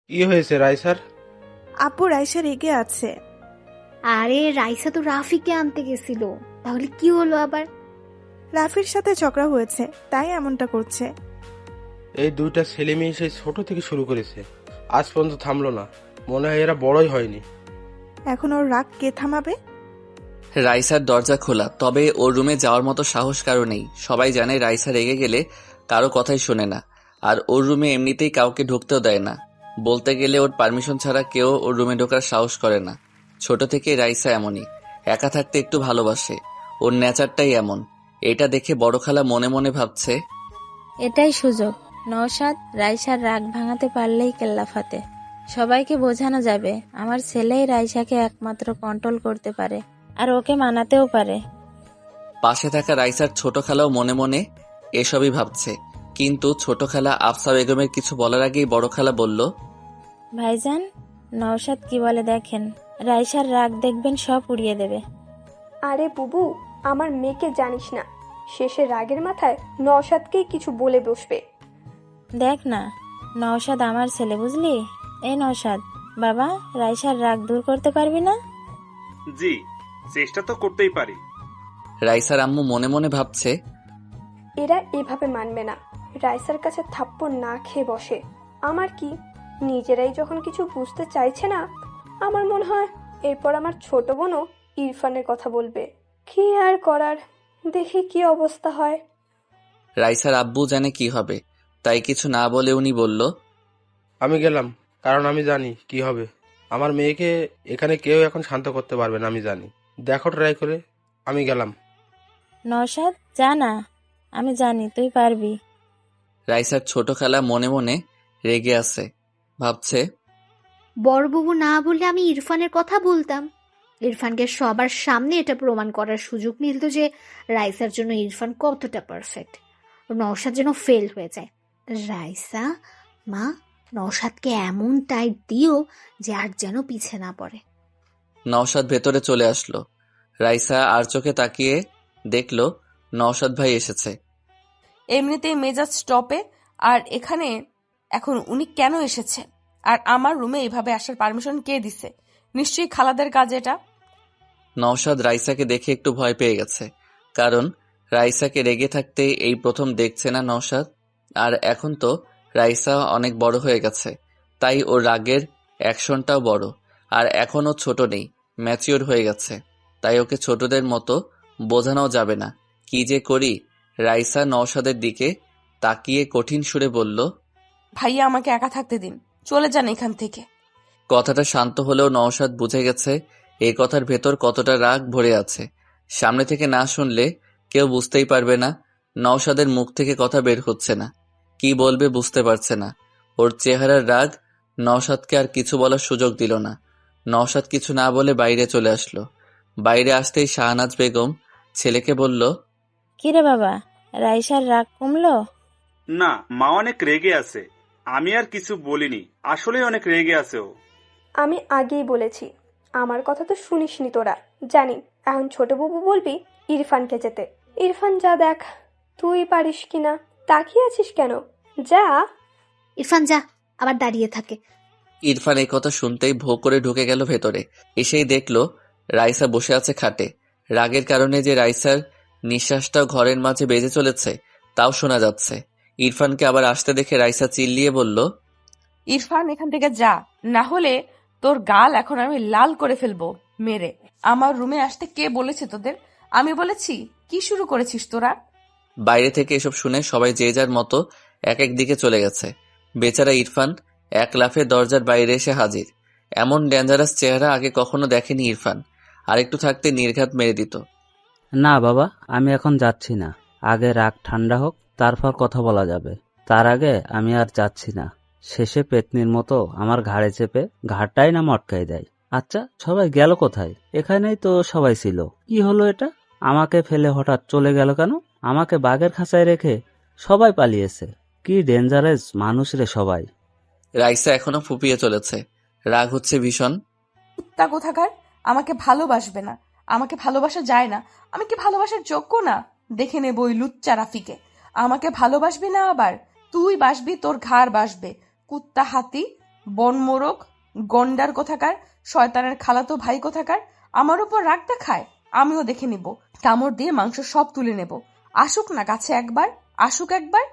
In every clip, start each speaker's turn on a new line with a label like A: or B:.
A: কি হয়েছে রাইসার?
B: আপু রাইসা রেগে আছে।
C: আরে রাইসা তো রাফিকে আনতে গেছিল, তাহলে কি হলো আবার?
B: রাফির সাথে ঝগড়া হয়েছে, তাই এমনটা করছে।
A: এই দুইটা ছেলে মেয়ে সেই ছোট থেকে শুরু করেছে, আজ পর্যন্ত থামলো না। মনে হয় এরা বড়ই হয়নি।
B: এখন ওর রাগ কে থামাবে?
D: রাইসার দরজা খোলা, তবে ওর রুমে যাওয়ার মতো সাহস কারো নেই। সবাই জানে রাইসা রেগে গেলে কারো কথাই শোনে না, আর ওর রুমে এমনিতেই কাউকে ঢুকতেও দেয় না। বলতে গেলে ওর পারমিশন ছাড়া কেউ ওর রুমে ঢোকার সাহস করে না। ছোট থেকে রাইসা এমনই, একা থাকতে একটু ভালোবাসে। ওর নেচারটাই এমন। এটা দেখে বড় খালা মনে মনে ভাবছে,
E: এটাই সুযোগ। নওশাদ, রাইসার রাগ ভাঙাতে পারলেই কেল্লা ফাতে। সবাইকে বোঝানো যাবে আমার ছেলেই রাইসাকে একমাত্র কন্ট্রোল করতে পারে, আর ওকে মানাতেও পারে।
D: পাশে থাকা রাইসার ছোট খালাও মনে মনে এসবই ভাবছে। কিন্তু ছোট খালা আফসা বেগমের কিছু বলার আগেই বড় খালা বলল,
E: ভাইজান, নওশাদ কি বলে দেখেন, রাইসার রাগ দেখবেন সব উড়িয়ে দেবে।
F: আরে বুবু, আমার মেয়েকে জানিস না, শেষে রাগের মাথায় নওশাদকেই কিছু বলে বসবে।
E: দেখ না, নওশাদ আমার ছেলে, বুঝলি? এই নওশাদ, বাবা, রাইসার রাগ দূর করতে পারবি না?
G: জি, চেষ্টা তো করতেই পারি।
D: রাইসার আম্মু মনে মনে ভাবছে,
F: এরা এভাবে মানবে না, রাইসার কাছে থাপ্পড় না খেয়ে বসে। আমার কি, নিজেরাই যখন কিছু বুঝতে চাইছে না, আমার মনে হয় এরপর আমার ছোট বোনও ইরফানের কথা বলবে। কি আর করার, দেখি কি অবস্থা হয়।
D: রাইসার আব্বু জানে কি হবে, তাই কিছু না বলে উনি বলল,
A: আমি গেলাম, কারণ আমি জানি কি হবে। আমার মেয়েকে এখানে কেউ এখন শান্ত করতে পারবে না, আমি জানি। দেখো ট্রাই করে। আমি গেলাম।
E: নওশাদ, যা না, আমি জানি তুই পারবি।
D: রাইসার ছোট খালা মনে মনে রেগে আছে। ভাবছে,
C: বড়বাবু না বললে আমি ইরফানের কথা বলতাম। ইরফানকে সবার সামনে এটা প্রমাণ করার সুযোগ মিলত যে রাইসার জন্য ইরফান কতটা পারফেক্ট। নওশাদ যেন ফেল হয়ে যায়। রাইসা, মা, নওশাদকে এমন টাইট দিও যে আর যেন পিছে না পড়ে।
D: নওশাদ ভেতরে চলে আসলো। রাইসা আর চোখে তাকিয়ে দেখল নওশাদ ভাই এসেছে।
H: এমনিতেই মেজাজ স্টপে, আর এখানে এখন উনি কেন এসেছে? আর আমার রুমে এইভাবে আসার পারমিশন কে দিছে? নিশ্চয়ই খালাদের কাজ এটা।
D: নওশাদ রাইসাকে দেখে একটু ভয় পেয়ে গেছে, কারণ রাইসাকে রেগে থাকতে এই প্রথম দেখছে না নওশাদ। আর এখন তো রাইসা অনেক বড় হয়ে গেছে, তাই ওর রাগের অ্যাকশনটাও বড়। আর এখনও ছোট নেই, ম্যাচিওর হয়ে গেছে, তাই ওকে ছোটদের মতো বোঝানো যাবে না। কি যে করি। রাইসা নওশাদের দিকে তাকিয়ে কঠিন সুরে বলল,
H: ভাইয়া, আমাকে একা থাকতে দিন, চলে যান এখান থেকে।
D: কথাটা শান্ত হলেও নওশাদ বুঝে গেছে এই কথার ভেতর কতটা রাগ ভরে আছে। সামনে থেকে না শুনলে কেউ বুঝতেই পারবে না। নওশাদের মুখ থেকে কথা বের হচ্ছে না, কি বলবে বুঝতে পারছে না। ওর চেহারার রাগ নওশাদকে আর কিছু বলার সুযোগ দিল না। নওশাদ কিছু না বলে বাইরে চলে আসলো। বাইরে আসতেই শাহনাজ বেগম ছেলেকে বলল,
E: কিরে বাবা, রাইসার রাগ কমলো?
G: না, মা অনেক রেগে আছে। আমি আর কিছু বলিনি, আসলে অনেক রেগে আছে ও।
F: আমি আগেই বলেছি, আমার কথা তো শুনিসনি তোরা। জানি এখন ছোট বাবু বলবি ইরফানকে যেতে। ইরফান যা দেখ, তুই পারিস কিনা। তাকিয়ে আছিস কেন? যা।
C: ইরফান যা, আবার দাঁড়িয়ে থাকে।
D: ইরফান এই কথা শুনতেই ভোঁ করে ঢুকে গেল ভেতরে। এসেই দেখল রাইসা বসে আছে খাটে। রাগের কারণে যে রাইসার নিঃশ্বাসটাও ঘরের মাঝে বেজে চলেছে তাও শোনা যাচ্ছে। ইরফানকে আবার আসতে দেখে রাইসা চিল্লিয়ে বলল,
H: ইরফান, এখান থেকে যা, না হলে তোর গাল এখন আমি লাল করে ফেলবো মেরে। আমার রুমে আসতে কে বলেছে তোদের? আমি বলেছি? কি শুরু করেছিস তোরা?
D: বাইরে থেকে এসব শুনে সবাই যে যার মতো এক এক দিকে চলে গেছে। বেচারা ইরফান এক লাফে দরজার বাইরে এসে হাজির। এমন ডেঞ্জারাস চেহারা আগে কখনো দেখেনি ইরফান। আরেকটু থাকতে নির্ঘাত মেরে দিত।
I: না বাবা, আমি এখন যাচ্ছি না। আগে রাগ ঠান্ডা হোক, তারপর কথা বলা যাবে। তার আগে আমি আর যাচ্ছি না। শেষে পেতনির মতো আমার ঘাড়ে চেপে ঘাড়টাই না মটকাই দেয়। আচ্ছা, সবাই গেল কোথায়? এখানেই তো সবাই ছিল। কি হলো এটা? আমাকে ফেলে হঠাৎ চলে গেল কেন? আমাকে বাঘের খাঁচায় রেখে সবাই পালিয়েছে। কি ডেঞ্জারাস মানুষ রে সবাই।
D: রাইসা এখনো ফুপিয়ে চলেছে, রাগ হচ্ছে ভীষণ।
H: কুত্তা কোথাকার! আমাকে ভালোবাসবে না, আমাকে ভালোবাসা যায় না। আমি কি ভালোবাসার যোগ্য না? দেখে নেব ওই লুচ্চা রাফিকে। আমাকে ভালোবাসবি না আবার? তুই বাসবি, তোর ঘাড় বাসবে। কুত্তা হাতি, বন মোরগ, গন্ডার কোথাকার, শয়তানের খালাতো ভাই কোথাকার আমার উপর রাগ দেখায়। আমিও দেখে নিব, কামড় দিয়ে মাংস সব তুলে নেব। আসুক না কাছে একবার, আসুক একবার।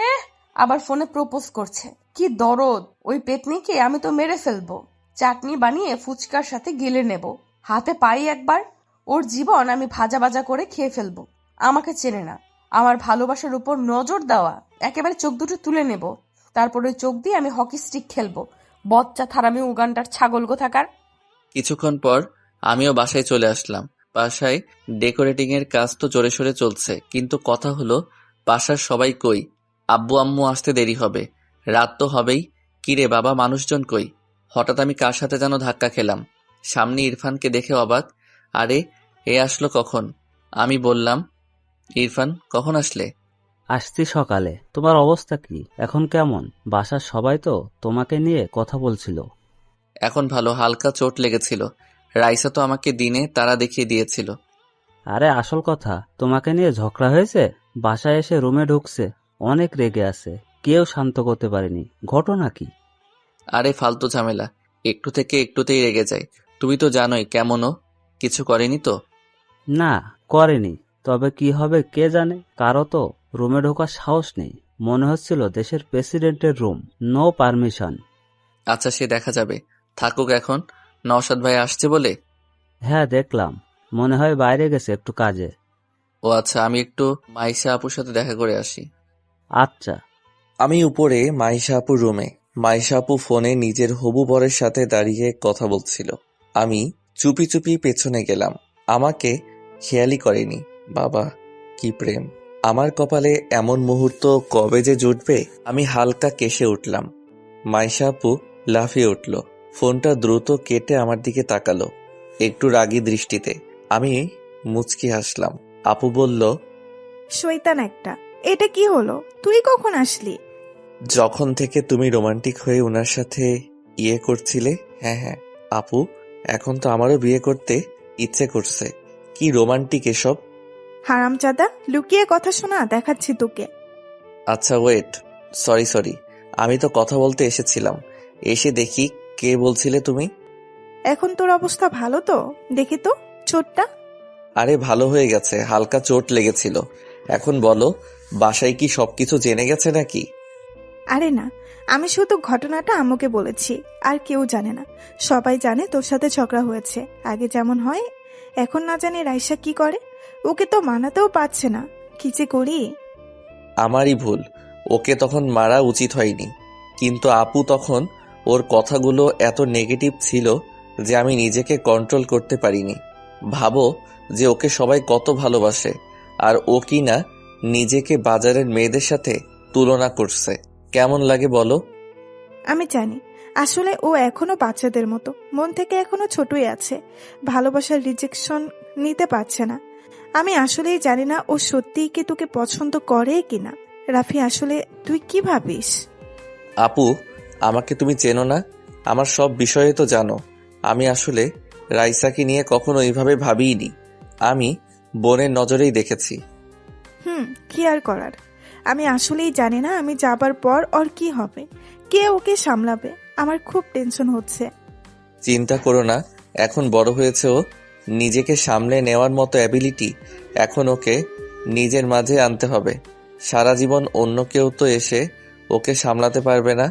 H: আবার ফোনে প্রপোজ করছে। কি দরদ! ওই পেতনিকে আমি তো মেরে ফেলবো, চাটনি বানিয়ে ফুচকার সাথে গিলে নেব। হাতে পাই একবার, ওর জীবন আমি ভাজা ভাজা করে খেয়ে ফেলবো। আমাকে চেনে না, আমার ভালোবাসার উপর নজর দেওয়া, একেবারে চোখ দুটো তুলে নেব। তারপর ওই চোখ দিয়ে আমি হকি স্টিক খেলবো। বচ্চা থারামি উগান্ডার ছাগল কোথাকার।
D: কিছুক্ষণ পর আমিও বাসায় চলে আসলাম। বাসায় ডেকোরেটিং এর কাজ তো জোরে সোরে চলছে, কিন্তু কথা হলো বাসার সবাই কই? আব্বু আম্মু আসতে দেরি হবে, রাত তো হবেই। কিরে বাবা, মানুষজন কই? হঠাৎ আমি কার সাথে যেন ধাক্কা খেলাম। সামনে ইরফানকে দেখে অবাক। আরে এ আসলো কখন? আমি বললাম, ইরফান কখন আসলে?
I: আসছি সকালে। তোমার অবস্থা কি এখন? কেমন? বাসার সবাই তো তোমাকে নিয়ে কথা বলছিল।
D: এখন ভালো, হালকা চোট লেগেছিল। রাইসা তো আমাকে দিনে তারা দেখিয়ে দিয়েছিল।
I: আরে আসল কথা, তোমাকে নিয়ে ঝগড়া হয়েছে। বাসায় এসে রুমে ঢুকছে, অনেক রেগে আছে, কেউ শান্ত করতে পারেনি। ঘটনা কি?
D: আরে ফালতু ঝামেলা, একটু থেকে একটুতেই রেগে যায়। তুমি তো জানোই কেমনও। কিছু করেনি তো?
I: না, করেনি। তবে কি হবে কে জানে। কারো তো রুমে ঢোকার সাহস নেই। মনে হচ্ছিল দেশের প্রেসিডেন্টের রুম, নো পারমিশন।
D: আচ্ছা সে দেখা যাবে, থাকুক এখন। নওশাদ ভাই আসছে বলে?
I: হ্যাঁ দেখলাম, মনে হয় বাইরে গেছে একটু কাজে।
D: ও আচ্ছা, আমি একটু মাইশা আপুর সাথে দেখা করে আসি।
I: আচ্ছা।
J: আমি উপরে মাইশা আপুর রুমে। মাইশা আপু ফোনে নিজের হবু বরের সাথে দাঁড়িয়ে কথা বলছিল। আমি চুপি চুপি পেছনে গেলাম। আমাকে খেয়ালই করেনি। বাবা, কি প্রেম! আমার কপালে এমন মুহূর্ত কবে যে জুটবে। আমি হালকা কেশে উঠলাম। মাইশা আপু লাফিয়ে উঠল, ফোনটা দ্রুত কেটে আমার দিকে তাকালো একটু রাগী দৃষ্টিতে। আমি মুচকি হাসলাম। আপু বলল,
B: শয়তান একটা, এটা কি হলো? তুই কখন আসলি?
J: যখন থেকে তুমি রোমান্টিক হয়ে ওনার সাথে ইয়ে করছিলে। হ্যাঁ আপু, এখন তো আমারও বিয়ে করতে ইচ্ছে করছে। কি রোমান্টিক এসব!
B: হারামজাদা, লুকিয়ে কথা শোনা, দেখাচ্ছি তোকে।
J: আচ্ছা ওয়েট, সরি, আমি তো কথা বলতে এসেছিলাম। এসে দেখি কে বলছিলে তুমি?
B: এখন তোর অবস্থা ভালো তো? দেখি তো চোটটা।
J: আরে ভালো হয়ে গেছে, হালকা চোট লেগেছিল। এখন বলো, বাসায় কি সবকিছু জেনে গেছে নাকি?
B: আরে না, আমি শুধু ঘটনাটা আম্মুকে বলেছি, আর কেউ জানে না। সবাই জানে তোর সাথে ঝগড়া হয়েছে। আগে যেমন হয়, এখন না জানি রাইসা কি করে। ওকে তো মানাতেও পারছে না। কি যে করি।
J: আমারই ভুল, ওকে তখন মারা উচিত হয়নি। কিন্তু আপু তখন ওর কথাগুলো এত নেগেটিভ ছিল যে আমি নিজেকে কন্ট্রোল করতে পারিনি। ভাবো যে ওকে সবাই কত ভালোবাসে, আর ও কি না নিজেকে বাজারের মেয়েদের সাথে তুলনা করছে। কেমন লাগে বলো?
B: আমি জানি, আসলে ও এখনো বাচ্চাদের মতো, মন থেকে এখনো ছোটই আছে। ভালোবাসার রিজেকশন নিতে পারছে না। আমি আসলেই জানি না ও সত্যিই কি তোকে পছন্দ করে কিনা। রাফি, আসলে তুই কি ভাবিস?
J: আপু, আমাকে তুমি চেনো না, আমার সব বিষয়ে তো জানো। আমি আসলে রাইসাকে নিয়ে কখনো এইভাবে ভাবিইনি। আমি বোনের নজরেই দেখেছি।
B: কি আর করার। আমি আসলেই জানি না আমি যাবার পর ওর কি হবে, কে ওকে সামলাবে। আমার খুব টেনশন হচ্ছে।
J: চিন্তা করো না, এখন বড় হয়েছে ও, নিজেকে সামলে নেওয়ার মতো অ্যাবিলিটি এখন ওকে নিজের মাঝে আনতে হবে। সারা জীবন অন্য কেউ তো এসে ওকে সামলাতে পারবে না।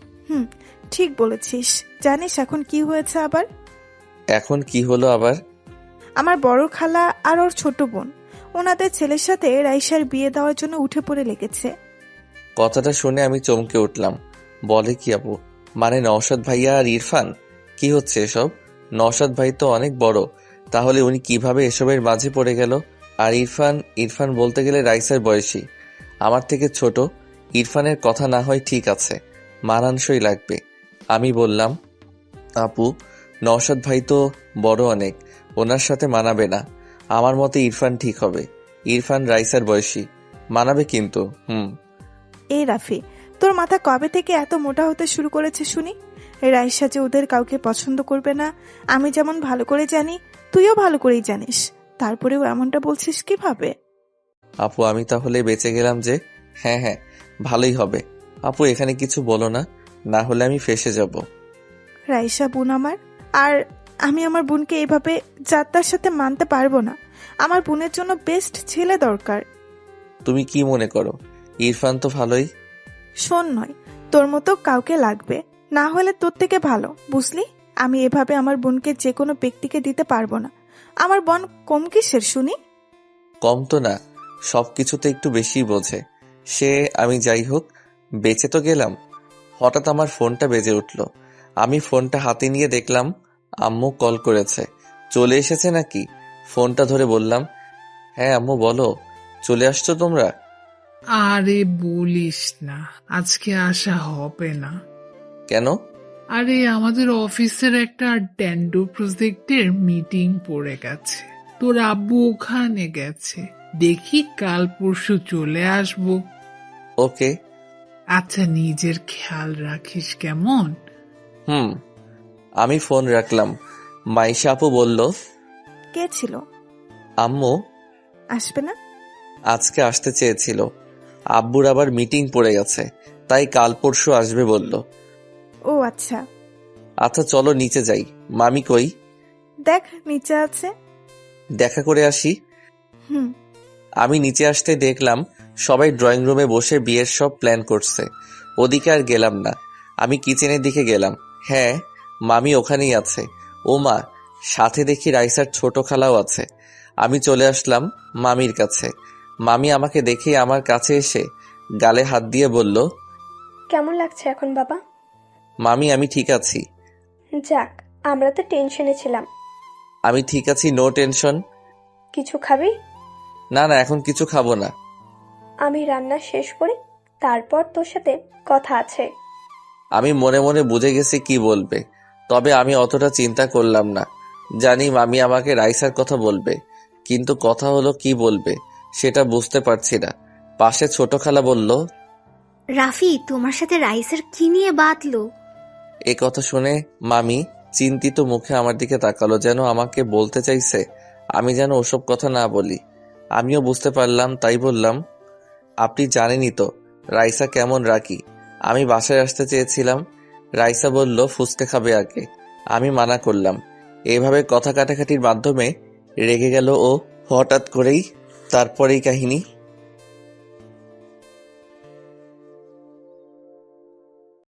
B: ঠিক বলেছিস। জানিস এখন কি হয়েছে আবার?
J: এখন কি হলো আবার?
B: আমার বড় খালা আর ওর ছোট বোন, ওনাদের ছেলের সাথে রাইসার বিয়ে দেওয়ার জন্য উঠে পড়ে লেগেছে।
J: কথাটা শুনে আমি চমকে উঠলাম। বলে কি আপু? মানে নওশাদ ভাইয়া আর ইরফান? কি হচ্ছে এসব? নওশাদ ভাই তো অনেক বড়, তাহলে উনি কিভাবে এসবের মাঝে পড়ে গেল? আর ইরফান বলতে গেলে রাইসার বয়সী, আমার থেকে ছোট। ইরফানের কথা না হয় ঠিক আছে, মানানসই লাগবে। আমি বললাম, আপু, নওশাদ ভাই তো বড় অনেক, ওনার সাথে মানাবে না। আমার মতে ইরফান ঠিক হবে। ইরফান রাইসার বয়সী, মানাবে কিন্তু।
B: এই রাফি, তোর মাথা কবে থেকে এত মোটা হতে শুরু করেছে শুনি? রাইসা যে ওদের কাউকে পছন্দ করবে না, আমি যেমন ভালো করে জানি, তুইও ভালো করেই জানিস। তারপরেও এমনটা বলছিস কিভাবে?
J: আপু, আমি তাহলে বেঁচে গেলাম যে। হ্যাঁ, ভালোই হবে। আপু, এখানে কিছু বলো না, না হলে আমি ফেঁসে যাব।
B: রাইসা বোন আমার, আর আমি আমার বোনকে এভাবে যাত্রার সাথে মানতে পারবো না। আমার বোনের জন্য বেস্ট ছেলে দরকার।
J: তুমি কি মনে করো? ইরফান তো ভালোই।
B: শোন নয়, তোর মতো কাউকে লাগবে, না হলে তোর থেকে ভালো, বুঝলি? আমি এভাবে আমার বোনকে যে কোনো ব্যক্তিকে দিতে পারবো না। আমার বোন কম কিসের শুনি?
J: কম তো না, সবকিছুতে একটু বেশি বোঝে সে। আমি যাই হোক, বেঁচে তো গেলাম। হঠাৎ আমার ফোনটা বেজে উঠল। আমি ফোনটা হাতে নিয়ে দেখলাম আম্মু কল করেছে। চলে এসেছে নাকি? ফোনটা ধরে বললাম, হ্যাঁ আম্মু বলো, চলে আসছো তোমরা?
K: আরে বলিস না, আজকে আসা হবে না।
J: কেন?
K: আরে আমাদের অফিসের একটা ড্যান্ডো প্রজেক্টের মিটিং পড়ে গেছে, তোর আব্বু ওখানে গেছে। দেখি কাল পরশু চলে আসবো।
J: ওকে।
K: আচ্ছা, নিজের খেয়াল রাখিস কেমন?
J: হুম। আমি ফোন রাখলাম। মাইশা আপু বলল,
B: কে ছিল?
J: আম্মু
B: আসবে না?
J: আজকে আসতে চেয়েছিল, আব্বুর আবার মিটিং পড়ে গেছে, তাই কাল পরশু আসবে বলল।
B: ও আচ্ছা।
J: আচ্ছা চলো নিচে যাই। মামি কই?
B: দেখ নিচে আছে।
J: দেখা করে আসি।
B: হুম।
J: আমি নিচে আসতে দেখলাম সবাই ড্রয়িং রুমে বসে বিয়ের সব প্ল্যান করছে। ওদিকে আর গেলাম না, আমি কিচেনের দিকে গেলাম। হ্যাঁ, মামি ওখানেই আছে। ও মা, সাথে দেখি রাইসার ছোট খালাও আছে। আমি চলে আসলাম মামির কাছে। মামি আমাকে দেখেই আমার কাছে এসে গালে হাত দিয়ে বলল,
F: কেমন লাগছে এখন বাবা?
J: মামি আমি ঠিক আছি।
F: যাক, আমরা তো টেনশনে ছিলাম।
J: আমি ঠিক আছি, নো টেনশন।
F: কিছু খাবি?
J: না না, এখন কিছু খাবো না।
F: আমি রান্না শেষ করি, তারপর তোর সাথে কথা আছে।
J: আমি মনে মনে বুঝে গেছি কি বলবে, তবে আমি অতটা চিন্তা করলাম না। জানি মামি আমাকে রাইসার কথা বলবে, কিন্তু কথা হলো কি বলবে সেটা বুঝতে পারছি না। পাশে ছোট খালা বলল,
C: রাফি, তোমার সাথে রাইসের কি নিয়ে বাতলো?
J: এ কথা শুনে মামি চিন্তিত মুখে আমার দিকে তাকালো, যেন আমাকে বলতে চাইছে আমি যেন ওসব কথা না বলি। আমিও বুঝতে পারলাম, তাই বললাম, আপনি জানেনই তো রাইসা কেমন রাখি। আমি বাসায় আসতে চেয়েছিলাম, রাইসা বলল ফুচকা খাবে আগে। আমি মানা করলাম। এইভাবে কথা কাটাকাটির মাধ্যমে রেগে গেল ও হঠাৎ করেই। তারপরেই কাহিনী।